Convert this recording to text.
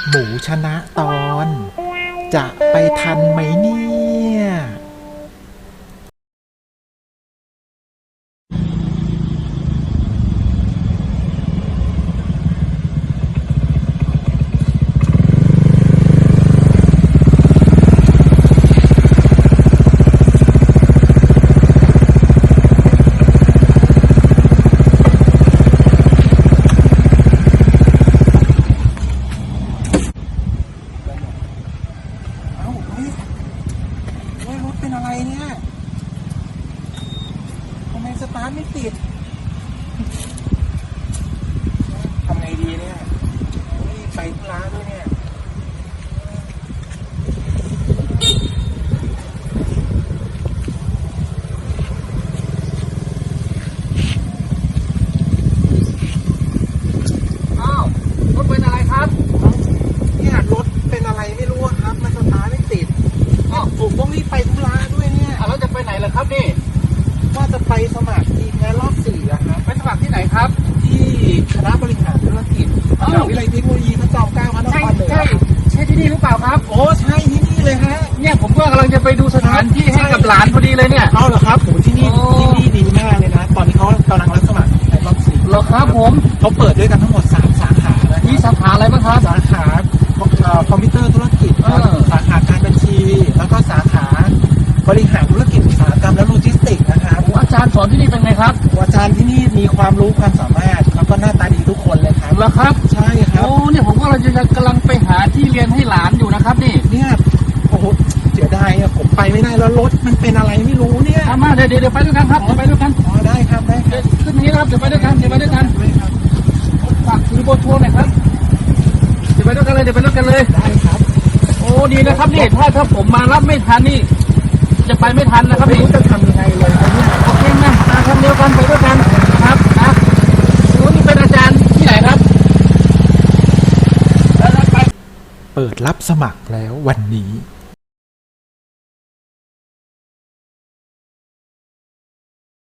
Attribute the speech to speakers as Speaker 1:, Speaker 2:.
Speaker 1: หมูชนะตอน จะไปทันไหมเนี่ยรถเป็นอะไรเนี่ยทำไมสตาร์ทไม่ติดทำไงดีเนี่ยไปธุระด้วยเนี่ย
Speaker 2: อ้าวรถเป็นอะไรครับ
Speaker 1: เนี่ยรถเป็นอะไรไม่รู้ครับมันสตาร์ทไม่ติดผมต้องรีบไปธุระด้วยเนี่ย
Speaker 2: แล้วจะไปไหนล่ะครับนี่
Speaker 1: ว่าจะไปสมัครทีมงานรอบ4อะครับ
Speaker 2: ไปสมัครที่ไหนครับ
Speaker 1: ที่คณะบริหารธุรกิจมหาวิทยาลัยเทคโนโลยีพระจอมเกล้าพระนครเหนือ
Speaker 2: ใช่ที่นี่หรือเปล่าครับ
Speaker 1: โอ้ใช่ที่นี่เลยฮะ
Speaker 2: เนี่ยผมก็กำลังจะไปดูสถานที่ให้กับหลานพอดีเลยเนี่ย
Speaker 1: เอาเหรอครับผมที่นี่ดีมากเลยนะตอนนี้เขากำลังรับสมัครในรอบ4
Speaker 2: เหรอครับผม
Speaker 1: เขาเปิดด้วยกันทั้งหมด3สาขานะ
Speaker 2: มีสาขาอะไรบ้างครับ
Speaker 1: สาขาคอมพิวเตอร์ธุรกิจสาขาการบัญชีแล้วก็สาขาบริหารธุรกิจอุตสาหกรรมและโลจิสติกส์นะครับ
Speaker 2: อาจารย์สอนที่นี่เป็นไงครับ
Speaker 1: อาจารย์ที่นี่มีความรู้ความสามารถแล้วก็หน้าตาดีทุกคนเลยครับ
Speaker 2: เหรอครับ
Speaker 1: ใช่ครับ
Speaker 2: โอ้เนี่ยผมก็กำลังไปหาที่เรียนให้หลานอยู่นะครับนี่
Speaker 1: เนี่ยโอ้โหเสียดายอะผมไปไม่ได้แล้วรถมันเป็นอะไรไม่รู้เนี่ย
Speaker 2: มาเดี๋ยวไปด้วยกันครับไปด้วยกัน
Speaker 1: ได้ครับได้
Speaker 2: ขึ้นนี้ครับเดี๋ยวไปด้วยกันฝากถือโบโทรหน่อยครับเดี๋ยวไปด้วยกันเลย
Speaker 1: ได้ครับ
Speaker 2: โอ้ดีนะครับนี่ถ้าผมมารับไม่ทันนี่จะไปไม่ทันนะครับ
Speaker 1: ไม่รู้จะทำยังไงเลยเนี่ย
Speaker 2: โอเคนะทำเดียวกันไปด้วยกันครับนี่เป็นอาจารย์ที่ไหนครับ
Speaker 1: เปิดรับสมัครแล้ววันนี้